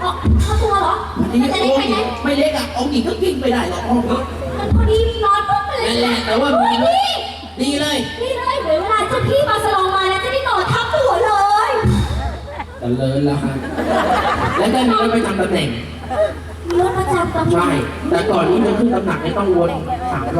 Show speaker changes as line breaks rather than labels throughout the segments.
ค่าตัวเหรอ
นี่
จะได้
โอ้
ไป
ย
ไหน
ไม่เล็กอ่ะองค์หญิงก็กิ้งไปได้หรอกองค์นี้
มันพอดีนอนปุ๊บไปเลย
นั่นแหละแต่ว่า
ดี
ดีเลย
นี่เลยเวลาเจ้าพี่มาสลองมาแล้วจะได้นอนทับหัวเลย
แต่เลินละฮะแล้วก็มีรถไปทำตำแหน่ง
มีรถประจำตำแหน่ง
ใช่ แต่ก่อนนี้จะขึ้นตำหนักไม่ต้องวน3 รอบ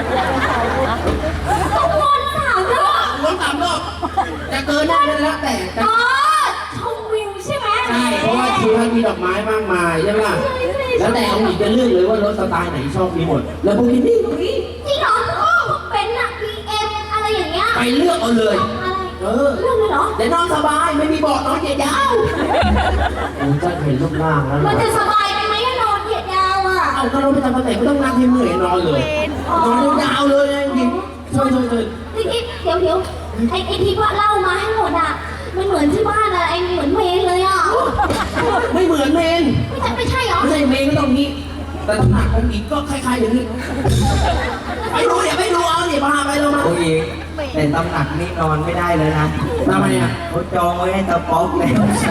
ต้องวน3 รอบ
วน3 รอบจะเกินได้แล้วแต่
อ๋อชมวิวใช่ไหม
ใช่เพราะว่าที่ท่านมีดอกไม้มากมายใช่ไหมล่ะแล้วแต่องค์หญิงจะเลือกเลยว่ารถสไตล์ไหนชอบมีหมด แล้วพวกนี้นี่
จริงเหรอเป็นอะ BM อะไรอย่างเงี้ย
ไปเลือกเอาเลย
อะไรเรื่องเลยเหรอ
แต่นอนสบายไม่มีเบาะนอนเหยียดยาวผมจะเห็นรูปร่างแล้ว
มันจะสบายไปไหมอะนอนเหยียดยาวอะ
เอาก็เราไปทำตำแหน่งไม่ต้องนั่งให้เมื่อยนอนเลยนอนยาวๆเลยนะจริงเชิญ
เดี๋ยวไอ้ที่ว่าเล่ามาให้หมดอะมันเหมือนที่บ้านอะไอ้เหมือนเมนเลยอะ
ไม่เหมือนเมน
ไม่ใช่เหรอ
ไม่ใช่เมนก็ต้องนี้แต่ตำหนักองค์หญิงก็คล้ายๆอย่างนี้ไปดูเดี๋ยวไปดูเอาเดี๋ยวพาไปเรามา
โอ้ยแต่ตำหนักนี่นอนไม่ได้เลยนะ
ทำไมอ่ะ
เขาจองไว้ให้ตาป๊อกเลย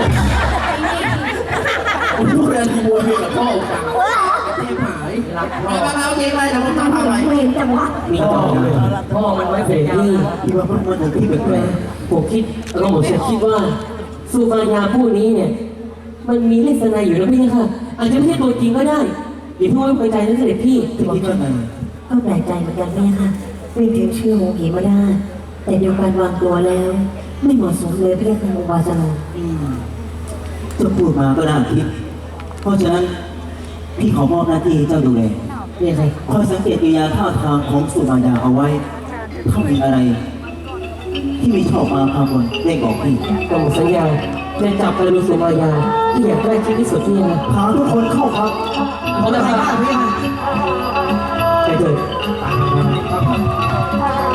คุณพูดอะไรบัวเมียกับพ่อองค์จังเทพหายรักพ่อไปเอาเทปไปแล้วผมทำอะไร
เมนจังวะ
มีจองเลยพ่อมันไว้เสร็จที่ที่ว่ามันถึงที่แบบนี้
ผมคิดเราผมจะคิดว่าสุมายาผู้นี้เนี่ย มันมีลักษณะอยู่แล้วพี่ค่ะ อาจจะไม่ใช่ตัวจริงก็ได้อย่าเพิ่งไว้วางใจนะเสด็จพี่
ที่คิดว่าไง
ก็แปลกใจเหมือนกันแม่ค่ะไม่ถึงชื่อของผีมาได้ แต่เดียวกันวางตัวแล้ว ไม่เหมาะสมเลยพี่ค่ะองค์วาสนา
เจ้าพูดมาก็น่าคิด เพราะฉะนั้นพี่ขอมอบหน้าที่ให้เจ้าดูแล
นี่ใคร
คอยสังเกตกิริยาท่าทางของสุมายาเอาไว้ ถ้ามีอะไร ที่ไม่ชอบมาพากลได้บอกพี่
ผมสัญญาจะจับกระดูกสุมายาที่อยากได้ชิ้นที่สุดที่นะ
พาทุกคนเข้าครับ
เขาจะไปบ้านพี่ไปเถิด